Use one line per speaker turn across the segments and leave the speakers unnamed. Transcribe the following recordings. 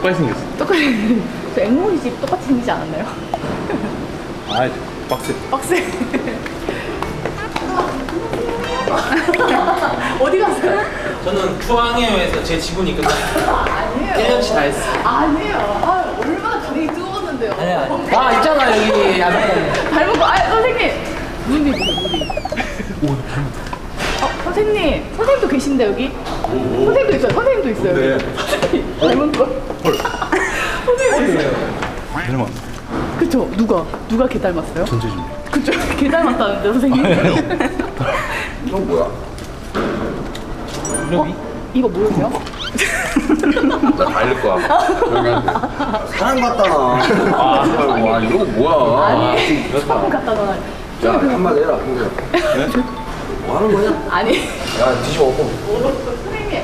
똑같이 생겼어.
똑같이. 저 앵무새 집 똑같이 생기지 않았나요?
아, 빡세.
빡세. 어디 갔어요?
저는 중앙회에서 제 지분이 끝났어요.
아니에요.
1년치 다 했어.
아니에요. 아, 얼마나 다리 뜨거웠는데요.
아 있잖아 여기 안에.
닮은 거. 아, 선생님. 눈이 눈이.
오, 닮았다.
선생님. 선생님도 계신데 여기? 선생님도 있어요. 선생님도 있어요.
네.
여기. 닮은 거. 선생님 있어요.
닮았.
그쵸? 누가 걔 닮았어요?
전체준.
그쵸? 걔 닮았다는데 선생님?
이건 뭐야?
여기?
이거 뭐예요?
나 달릴 거야. 사람 같다. 와, 이거 뭐야?
아니, 처음 갖다 놔.
야, 한마디 해라, 형들. 뭐 하는 거냐?
아니.
야, 뒤집어 엎어.
선생님.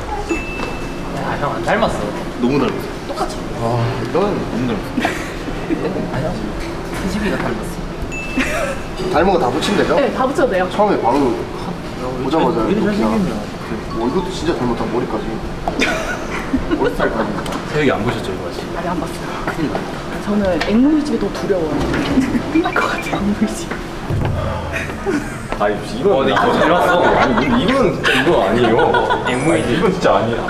아형 안 닮았어.
너무 닮았어.
똑같이.
아, 너는 너무 닮았어.
아니야. 희집이가 닮았어.
닮은 거 다 붙이면 되죠?
네, 다 붙여도 돼요.
처음에 바로 보자마자
왜 이리
그냥,
잘생겼냐.
이것도 진짜 닮았다, 머리까지. 머리 스타일까지.
새벽에 안 보셨죠 이거 아직?
아직 안 봤어요. 큰일 났다. 저는 앵무새 집이 더 두려워요. 끝날 것 같아요, 앵무새 집.
아니, 이건
근데 이거 잘 봤어.
아니, 이건 진짜 이거 아니에요.
앵무새.
이건 진짜 아니야.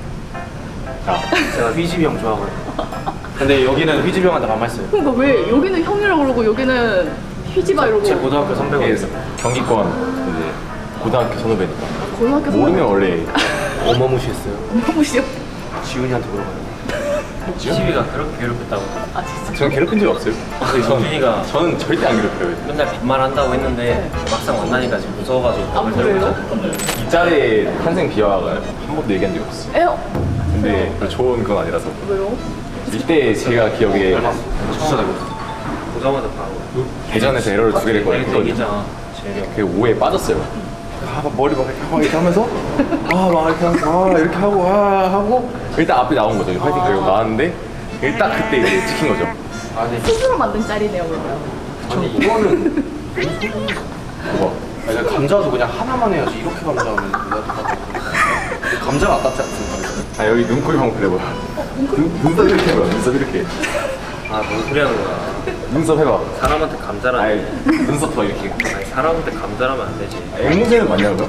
제가 휘집이 형 좋아하거든요. 근데 여기는 휘집이 형한테 반말했어요.
그러니까 왜 여기는 형이라고 그러고 여기는 휘지마 이러고.
제 고등학교 선배거든요.
경기권 이제 고등학교 선후배니까
고등학교
모르면 원래
어마무시했어요.
앵무새요?
지훈이한테 물어봐요. 희집이가 그렇게 괴롭혔다고.
아 진짜?
저는 괴롭힌 적 없어요.
유진이가
저는 절대 안 괴롭혀요.
맨날 반말한다고 했는데 막상 만나니까 지금 무서워가지고
아 그래요?
이 짤에 탄생 비화가 한 번도 얘기한 적이 없어요.
에요?
근데 별로 좋은 건 아니라서.
왜요?
이때 제가 기억에
진짜 닮았어. 보자마자 바로.
대전에서 에러를 2개를 했거든요.
얘기잖아. 재현이 형.
그 오해에 빠졌어요.
막 머리 막 이렇게 하면서 막 이렇게 하고 이렇게 하고
일단 앞에 나온 거죠. 파이팅 걸고 나왔는데 딱 그때 이제 찍힌 거죠.
스스로 만든 짤이네요 그러면.
아니 이거는
뭐
아니, 감자도 그냥 하나만 해야지 이렇게 감자하면 감자가 아깝지 않습니까?
아 여기 눈, 코, 형 그래 보여. 눈썹 이렇게 해봐. 눈썹 이렇게.
뭔 소리 하는 거야.
눈썹 해봐.
사람한테 감자라는.
아니 눈썹 더 이렇게.
아니, 사람한테 감자라면 안 되지.
앵무새는 맞냐고요?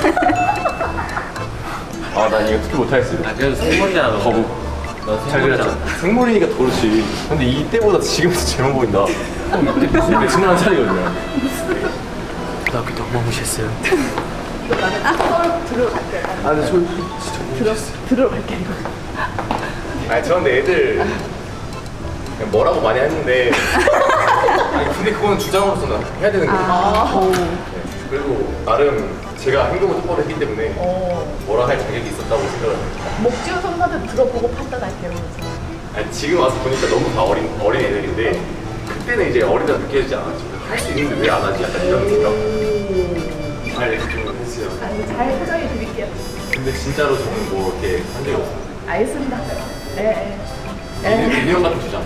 아 난 이거 특히 못하겠어요.
그래도 생물이잖아. 너.
거북.
너
잘
생물이잖아.
그렸죠. 생물이니까 더 그렇지. 근데 이때보다 지금 더 재밌어 보인다. 이때 진화한 차리거든요.
고등학교 때 어마무시했어요.
이거 나는 썰 들으러 갈게요.
아 근데 진짜
들으러 갈게요 이거.
아니 저런데 애들 그냥 뭐라고 많이 했는데 아니 근데 그거는 주장으로서는 해야 되는 거예요. 네. 그리고 나름 제가 행동을 똑바로 했기 때문에 뭐라 할 자격이 있었다고 생각을 합니다.
목지훈 선수한테 들어보고 판단할게요.
아니 지금 와서 보니까 너무 다 어린 애들인데 그때는 이제 어리다 느껴지지 않았죠. 할 수 있는데 왜 안 하지? 약간 이런 생각. 잘 이렇게 좀 했어요.
아, 이거 잘 포장해 드릴게요.
근데 진짜로 저는 뭐 이렇게 한 적이 없어요.
알겠습니다. 네. 네.
민영 같은 주장.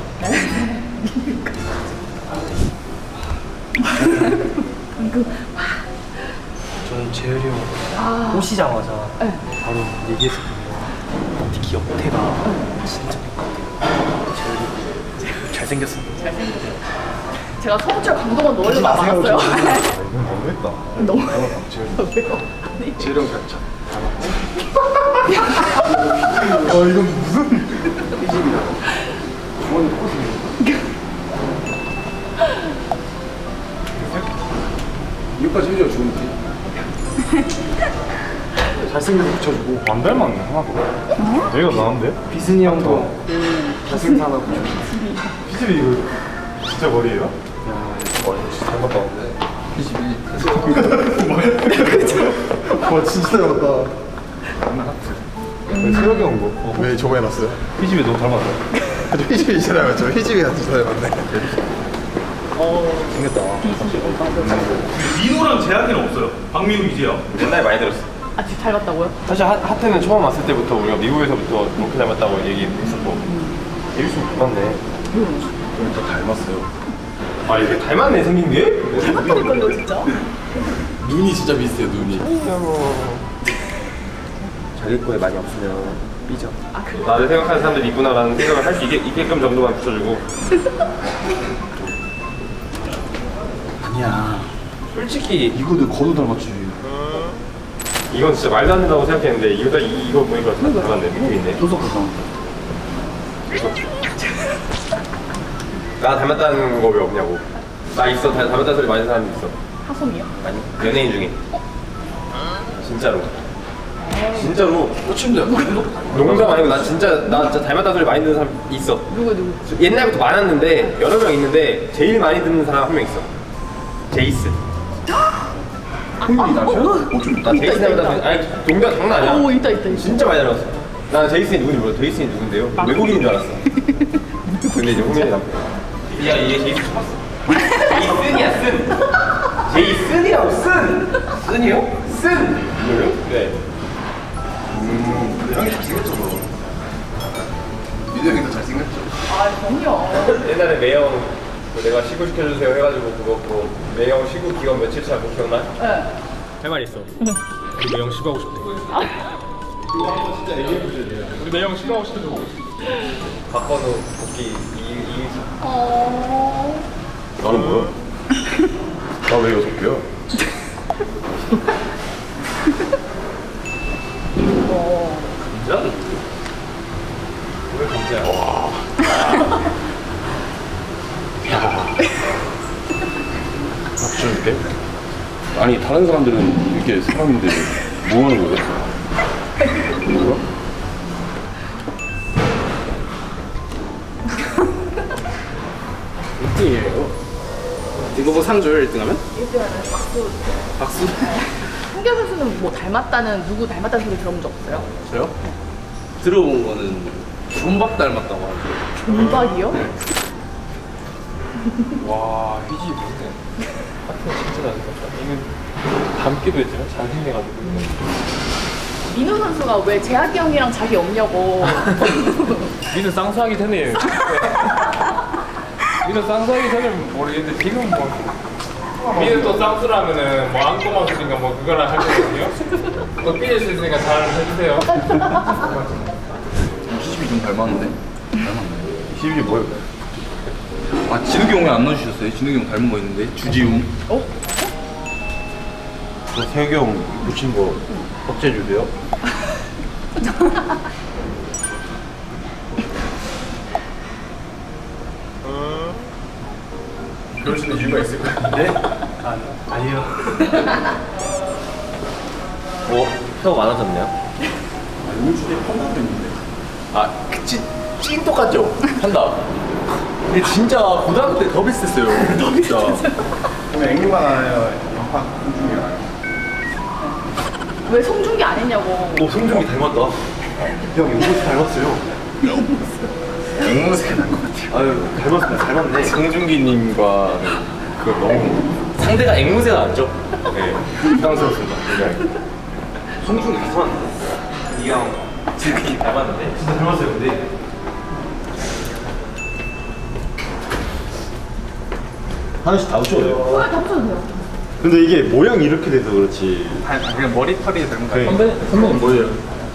저는 재열이 형 오시자마자
네.
바로 얘기했었거든요. 특히 옆태가 진짜 재열이 잘생겼어.
제가 서구철 강동원 넣으려고 많았어요.
이건 너무했다.
너무
재영
왜요? 아니.
재령 잘 참. 이건 무슨 이집이야? 주머니 똑같은 이거까지 해줘야 좋은데. 잘생겨서 붙여주고 안 닮았네 하나도. 내가 나은데?
비스니 형도
잘생산하고 피집이 이거 진짜 머리예요? 야 진짜 닮았다 근데 피집이 와 진짜 닮았다. 왜 새벽에 온 거? 왜 저거 해놨어요?
피집이 너무 닮았어.
피집이 진짜 닮았죠? 피집이가 진짜 닮았네.
생겼다.
민호랑 재학이는 없어요. 박민호, 이재영.
옛날에 많이 들었어.
아, 지금 잘 봤다고요?
사실 하트는 처음 왔을 때부터 우리가 미국에서부터 이렇게 닮았다고 얘기했었고 예비수 닮았네.
저 닮았어요.
아 이게 닮았네 생긴 게?
닮았다니까요, 진짜.
눈이 진짜 비슷해요 눈이.
자기 거에 많이 없으면 삐져.
아 그래?
나를 생각하는 사람들이 있구나라는 생각을 할 수 있게끔 정도만 붙여주고.
아니야.
솔직히
이거도 거도 닮았지.
이건 진짜 말도 안 된다고 생각했는데 이거 보니까 참 닮았네. 느낌 있네.
소속 닮았다.
나 닮았다는 거 왜 없냐고. 나 있어. 닮았다는 소리 많이 하는 사람 있어.
하솜이요?
아니 연예인 중에. 진짜로. 진짜로.
꽃침대.
농담 아니고 나 진짜 닮았다는 소리 많이 듣는 사람 있어.
누구?
옛날부터 많았는데 여러 명 있는데 제일 많이 듣는 사람 한 명 있어. 제이스.
홍윤이 남편?
나 제이스 닮았다는 아니 농담 장난 아니야.
오 있다.
진짜 많이 닮았어. 난 제이슨이 누군지 몰라. 제이슨이 누군데요? 외국인인 줄 알았어. 근데 이제 홍현이 남편. 야 이게 제이슨 처음 봤어. 제이슨이야 쓴. 제이슨이라고 쓴. 쓴이요? 쓴. 이거요? 네.
형이 잘생겼죠, 너. 민우 형이 더 잘생겼죠.
아 그럼요.
옛날에 매형 그 내가 시구 시켜주세요 해가지고 그거 매형 시구 기간 며칠차 그거 기억나?
네.
할 말 있어. 우리 매형 시구하고 싶대.
이거 한번 진짜 얘기해보셔야 돼요.
우리 매형 시구하고 싶대. 박건우 복귀 이
나는 뭐야? 나 왜 6개야?
진짜? 왜 진짜야?
박준께? 아니 다른 사람들은 이렇게 사람인데 뭐 하는 거야? 뭐야?
이거 뭐 상 줘요 1등하면?
일단은 박수.
박수.
홍경 선수는 뭐 닮았다는 누구 닮았다는 소리 들어본 적 없어요?
저요? 들어본 거는 존박 닮았다고 하죠.
존박이요?
와 휘지 못해. 하여튼 진짜 잘생겼다. 이건 닮기도 했지만 잘생겨가지고.
민우 선수가 왜 재학이 형이랑 자기 없냐고.
니는 쌍수하기 전에. 니는 쌍수하기 전에 모르겠는데 지금 뭐. 니는 또 쌍수라면은 뭐 안고만 쓰니까 뭐 그거랑 할 거거든요. 또 삐질 수 있으니까 잘 해주세요.
희집이 좀 닮았는데? 닮았네. 희집이 뭐예요? 아 진욱이 형이 안 넣어주셨어요? 진욱이 형 닮은 거 있는데? 주지웅.
어?
저 세욱이 형 붙인 거 덕재 주세요.
그러시는 이유가 있을 거예요.
네?
아니요. 표 많아졌네요.
우주대 펀다도 있는데.
아, 찐 똑같죠? 판다. 근데 진짜 고등학교 때 더 비슷했어요. 더 비슷했어요.
그럼 앵무만 하나요? 영화 중에 하나요?
왜 송중기 안 했냐고.
오, 송중기 닮았다.
형 앵무새 닮았어요. 앵무새가 난 것 같아요.
아유, 닮았네. 송중기님과 그 너무 상대가 앵무새가 낫죠? 네, 부담스럽습니다. 굉장히. 송중기 이상한데? 이형 지금 닮았는데? 진짜 닮았어요, 근데.
하나씩 다 붙여도 돼요.
다 붙여도 돼요.
근데 이게 모양이 이렇게 돼서 그렇지.
그냥 머리털이 닮은 거
그래.
선배는 뭐예요?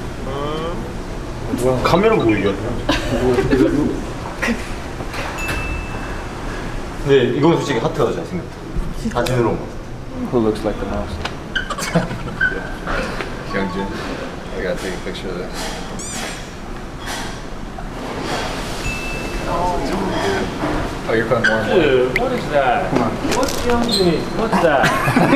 카메라 보이게. 근데 이건 솔직히 하트가 더 잘생겼다. 사진으로.
Who looks like the mouse?
Hyungjin, I gotta take a picture of this. Oh, you're putting more and more.
Dude, what is that? What's Hyunjin? What's that?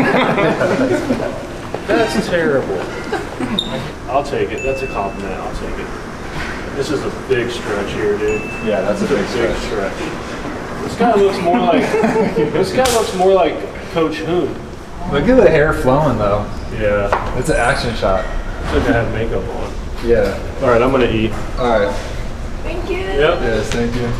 That's terrible.
I'll take it. That's a compliment. I'll take it. This is a big stretch here, dude.
Yeah, that's a
It's a
big
big
stretch.
stretch. This guy looks more like this guy looks more like Coach Hoon.
Look at the hair flowing though.
Yeah,
It's an action shot.
should have makeup on.
Yeah.
All right, I'm gonna eat.
All right.
Thank you.
Yep.
Yes, thank you.